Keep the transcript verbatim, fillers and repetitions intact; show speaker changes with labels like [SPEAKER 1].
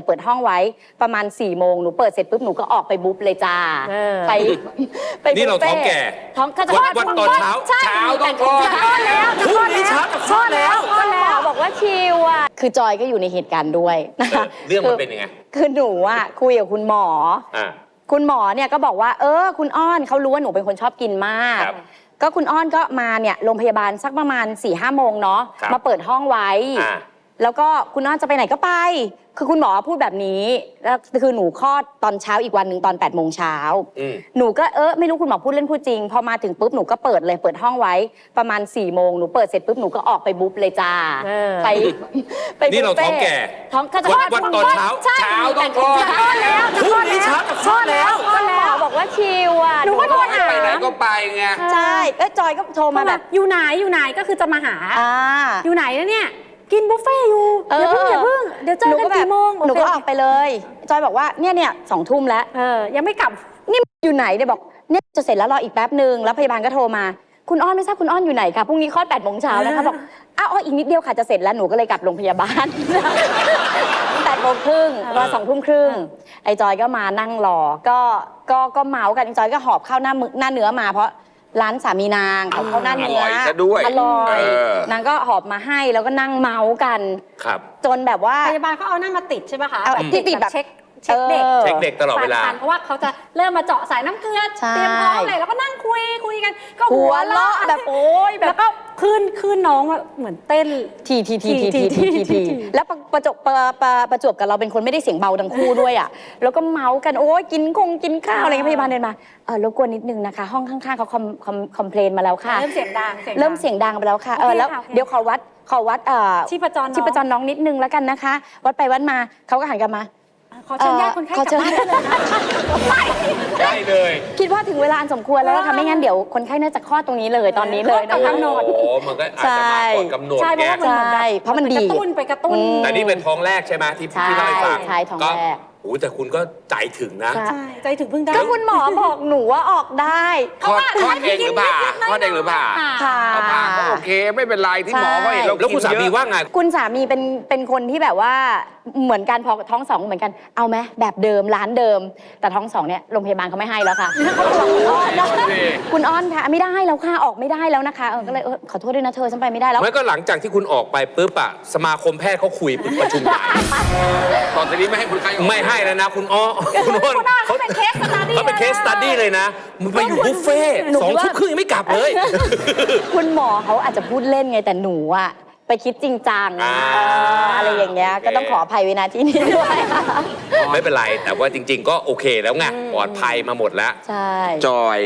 [SPEAKER 1] เปิดห้องไว้ประมาณสี่โมงหนูเปิดเสร็จปุ๊บหนูก็ออกไปบุ๊บเลยจ้าไปไป
[SPEAKER 2] นี่เราท้องแก่
[SPEAKER 1] ท้องก็จะ
[SPEAKER 2] วันตอนเช้าเช้าต้องคลอด
[SPEAKER 1] แล้ว
[SPEAKER 2] พรุ่งนี้เช้าต้องคลอดแล้ว
[SPEAKER 1] คุณหมอบอกว่าชิวอ่ะคือจอยก็อยู่ในเหตุการณ์ด้วยนะคะ
[SPEAKER 2] เรื่องมันเป็นยังไง
[SPEAKER 1] คือหนูอ่ะคุยกับคุณหมอคุณหมอเนี่ยก็บอกว่าเออคุณอ้อนเขารู้ว่าหนูเป็นคนชอบกินมากก็คุณอ้อนก็มาเนี่ยโรงพยาบาลสักประมาณสี่ห้าโมงเนาะมาเปิดห้องไว้แล้วก็คุณอ้อนจะไปไหนก็ไปคือคุณหมอพูดแบบนี้แล้วคือหนูคลอดตอนเช้าอีกวันหนึ่งตอนแปดโมงเช้าหนูก็เออไม่รู้คุณหมอพูดเล่นพูดจริงพอมาถึงปุ๊บหนูก็เปิดเลยเปิดห้องไว้ประมาณสี่โมงหนูเปิดเสร็จปุ๊บหนูก็ออกไปบุ๊บเลยจ้าไป
[SPEAKER 2] ไปนี่เราท้องแก่
[SPEAKER 1] ท้องก็จะ
[SPEAKER 2] วันตอนเช้าเช้าต้องคลอด
[SPEAKER 1] แล้ว
[SPEAKER 2] พรุ่งนี้เช้าต้องคลอดแล้ว
[SPEAKER 1] คุณหมอบอกว่าชิวอ่ะ
[SPEAKER 3] หนูก็โทรหา
[SPEAKER 2] ไปไหนก็ไปไง
[SPEAKER 1] ใช่เออจอยก็โทรมาแบบ
[SPEAKER 3] อยู่ไหนอยู่ไหนก็คือจะมาหาอยู่ไหนแล้วเนี่ยกินบุฟเฟ่อยู่อย่าเพิ่งอย่าเพิ่งเดี๋ยวเจอกันกี่โมง
[SPEAKER 1] หนูก็ออกไปเลยจอยบอกว่าเนี่ยเนี่ยสองทุ่มแล้ว
[SPEAKER 3] เออยังไม่กลับ
[SPEAKER 1] นี่อยู่ไหนเนี่ยบอกเนี่ยจะเสร็จแล้วรออีกแป๊บนึงแล้วพยาบาลก็โทรมาคุณอ้อนไม่ทราบคุณอ้อนอยู่ไหนคะพรุ่งนี้คลอดแปดโมงเช้านะคะบอกอ้าวอีกนิดเดียวค่ะจะเสร็จแล้วหนูก็เลยกลับโรงพยาบาลแปดโมงครึ่งรอสองทุ่มครึ่งไอ้จอยก็มานั่งรอก็ก็ก็เมาส์กันไอ้จอยก็หอบข้าวหน้าหน้าเนื้อมาเพราะร้านสามีนางเขาเขาหน้าเนื้ออร่อยซะด้วยอร่อยนางก็หอบมาให้แล้วก็นั่งเมาส์กัน
[SPEAKER 2] ครับ
[SPEAKER 1] จนแบบว่า
[SPEAKER 3] พยาบาลเขาเอานั่นมาติดใช่ไหมคะ
[SPEAKER 1] ติดติดแบบ
[SPEAKER 3] เช็คเช็คเด็ก
[SPEAKER 2] เช็คเด็กตลอดเวลา
[SPEAKER 3] เพราะว่าเขาจะเริ่มมาเจาะสายน้ำเกลือเตรียมท้องเลยแล้วก็นั่งคุยคุยกันก็
[SPEAKER 1] หัวเราะแบบโอ๊ย
[SPEAKER 3] แล้วก็ขึ้นขึ้นน้องเหมือนเต้น
[SPEAKER 1] ทีทีทีทีทีทีทีแล้วประจบประประจวบกับเราเป็นคนไม่ได้เสียงเบาทั้งคู่ด้วยอ่ะแล้วก็เมาส์กันโอ๊ยกินคงกินข้าวอะไรเงี้ยพยาบาลเดินมาเออรบกวนนิดนึงนะคะห้องข้างๆเขาคอมคอมคอมเพลนมาแล้วค่ะ
[SPEAKER 3] เริ่มเสียงดัง
[SPEAKER 1] เริ่มเสียงดังไปแล้วค่ะเออแล้วเดี๋ยวขอวัดขอวัด
[SPEAKER 3] ชีพจร
[SPEAKER 1] ชีพจรน้องนิดนึงแล้วกันนะคะวัดไปวัดมาเขาก็หันกลับมา
[SPEAKER 3] ขอเชิญญาติคนไข้กลับบ้านได้เลยนะ
[SPEAKER 2] ไม่ได้เลย
[SPEAKER 1] คิดว่าถึงเวลาอันสมควรแล้วค่ะไม่งั้นเดี๋ยวคนไข้น่าจะคลอดตรงนี้เลยตอนนี้เลย
[SPEAKER 3] นะคะกำหนด
[SPEAKER 2] โอ้มันก็อาจจะมาก่อนกำหนด
[SPEAKER 3] ใช่เพราะว่ามัน
[SPEAKER 1] ใช่เพราะมันดี
[SPEAKER 3] กระตุ้นไปกระตุ้น
[SPEAKER 2] แต่นี่เป็นท้องแรกใช่ไหมที่พี่เล่าให้ฟัง
[SPEAKER 1] ใช่ท้องแรก
[SPEAKER 2] โอ้แต่คุณก็ใจถึงนะ
[SPEAKER 3] ใช่ใจถึงเพิ่งได้
[SPEAKER 1] ก็คุณหมอบอกหนูว่าออกได้
[SPEAKER 2] คลอดคลอดเองหรือเปล่าคลอดเองหรือเปล่า
[SPEAKER 1] ค่ะ
[SPEAKER 2] ก็โอเคไม่เป็นไรที่หมอก็เห็นเราแล้วคุณสามีว่าไง
[SPEAKER 1] คุณสามีเป็นเป็นคนที่แบบว่าเหมือนกันพอท้องสองเหมือนกันเอาไหมแบบเดิมร้านเดิมแต่ท้องสองเนี่ยโรงพยาบาลเขาไม่ให้แล้วค่ะคุณอ้อนค่ะไม่ได้แล้วค่ะออกไม่ได้แล้วนะคะเออก็เลยเออขอโทษด้วยนะเธอฉันไปไม่ได้แล้ว
[SPEAKER 2] ไม่ก็หลังจากที่คุณออกไปปุ๊บอะสมาคมแพทย์เขาคุยประชุมใหญ่ตอนนี้ไม่ให้คุณใครไม่ให้แล้วนะคุณอ้อคุณอ้น
[SPEAKER 3] เขาเป็นเคสสตัดดี้
[SPEAKER 2] เขาเป็นเคสสตัดดี้เลยนะมันไปอยู่บุฟเฟ่สองทุ่มครึ่งยังไม่กลับเลย
[SPEAKER 1] คุณหมอเขาอาจจะพูดเล่นไงแต่หนูอะไปคิดจริงจังอะไรอย่างเงี้ยก็ต้องขออภัยไว้นะที่นี่ด้วย
[SPEAKER 2] ไม่เป็นไรแต่ว่าจริงๆก็โอเคแล้วไงปลอดภัยมาหมดแล้ว
[SPEAKER 1] ใช่
[SPEAKER 2] จอย